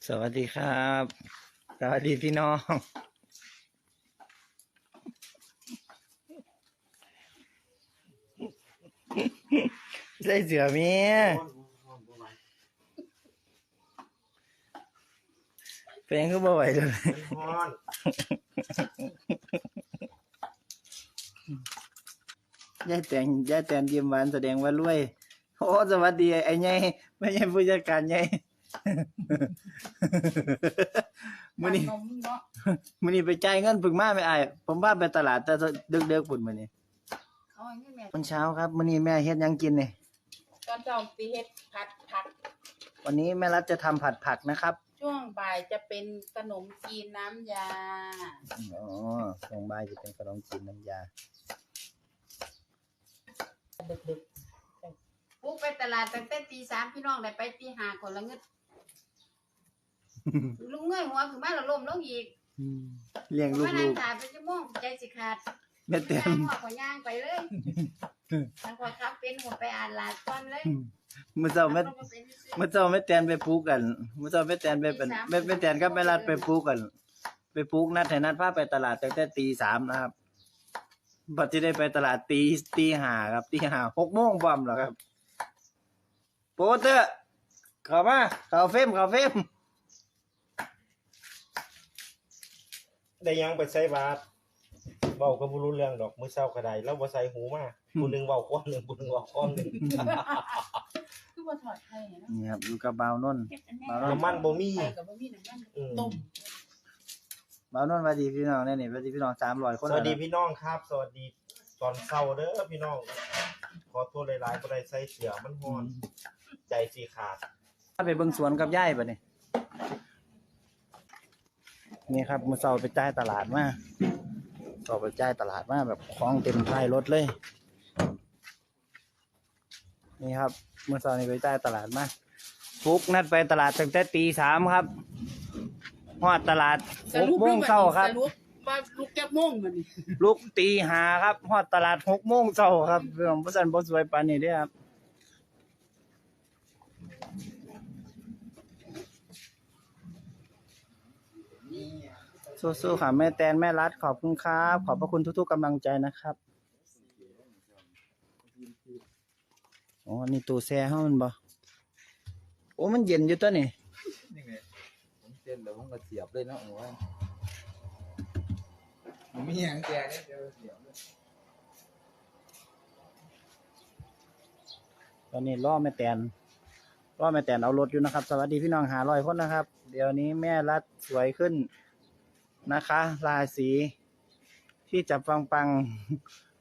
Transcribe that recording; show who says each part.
Speaker 1: สวัสดีครับสวัสดีพี่น้องใส่เสือเมียเป็นก็บ่ไหวเลยย่าแต่งยิ้มหวานแสดงว่ารวยโอ้สวัสดีไอ้ไงไม่ใช่ผู้จัดการไงมื้อนี้ไปจ่ายเงินฝึกมาไม่อายผมว่าไปตลาดแต่ดึกๆพุ่นมื้อนี้ตอนเช้าครับมื้อนี้แม่เฮ็ดหยังกินนี่
Speaker 2: ตอนเช้าตีเฮ็ดผัดผัก
Speaker 1: วันนี้แม่รัฐจะทำผัดผักนะครับ
Speaker 2: ช่วงบ่ายจะเป็นขนมจีนน้ำยา
Speaker 1: อ๋อช่วงบ่ายจะเป็นขนมจีนน้ำยา
Speaker 2: ดึกๆปุ๊กไปตลาดตั้งแต่ตี 3พี่น้องได้ไปตี 5คนละเงิดลุงเงยหัวขึ้นมาแล้วล้มลงอีก
Speaker 1: เลี้ยงลูก
Speaker 2: มานั่งถ่ายไปชั่วโมงใจสิขาด
Speaker 1: แม่เต็ม
Speaker 2: หัวขอย่างไปเลยทางขอครับเป็นหัวไปอ่านลาดก่อนเลย
Speaker 1: มื้อเช้าแม่แตนไปปลูกกันมื้อเช้าแม่แตนไปเป็นแม่แตนกับแม่รัฐไปปลูกกันไปปลูกนัดให้นัดพาไปตลาดตั้งแต่ตี 3นะครับบัดที่ได้ไปตลาดตี 5ครับตี 5 6โมงพร้อมแล้วครับโปเตอร์เข้ามาเข้าเฟรม
Speaker 3: ได้ยังไปใส่บาตรเว้าก็บ่รู้เรื่องดอกมื้อเช้าก็ได้แล้วบ่ใส่หูมาผู้นึงเว้าก้อนนึงผู้นึงเว้าก้อนนึง
Speaker 2: คือบ่ถอดไข่เนาะ
Speaker 1: นี่ครับอยู่กับบ่าวนนท์
Speaker 3: น้ำมันบ่มี
Speaker 2: ก็บ่มีน้ำมันต้ม
Speaker 1: บ่าวนนท์สวัสดีพี่น้องแน่นี่สวัสดีพี่น้อง300คน
Speaker 3: สวัสดีพี่น้องครับสวัสดีตอนเช้าเด้อพี่น้องขอโทษหลายๆบ่ได้ใส่เสื้อมันร้อนใจสิขาด
Speaker 1: ไปเบิ่งสวนกับยายบัดนี้นี่ครับมื้อเช้าไปจ่ายตลาดมาแบบของเต็มท้ายรถเลยนี่ครับมื้อเช้านี้ไปจ่ายตลาดมาฟุกนัดไปตลาดตั้งแต่ตี 3ครับฮอดตลาด6 โมงเช้าครับ
Speaker 2: ว่าลุกจักโมงบัดนี้
Speaker 1: ลุกตี 5ครับฮอดตลาด6 โมงเช้าครับเรื่องบ่ซั่นบ่สวยปานนี้เด้อครับสู้ๆค่ะแม่แตนแม่รัฐขอบคุณครับขอบพระคุณทุกๆกำลังใจนะครับอ๋อนี่ตู้แช่เฮามันบ่โอ้มันเย็นอยู่ตัวนี่
Speaker 4: นี่ไงผมเส้นแล้วผมก็เสียบเลยเนาะโอ้ยมีอย่างแกเนี่ยเดี๋ยวเสียบเลย
Speaker 1: ตอนนี้รอแม่แตนเอารถอยู่นะครับสวัสดีพี่น้อง500คนนะครับเดี๋ยวนี้แม่รัฐสวยขึ้นนะคะราศีที่จับปัง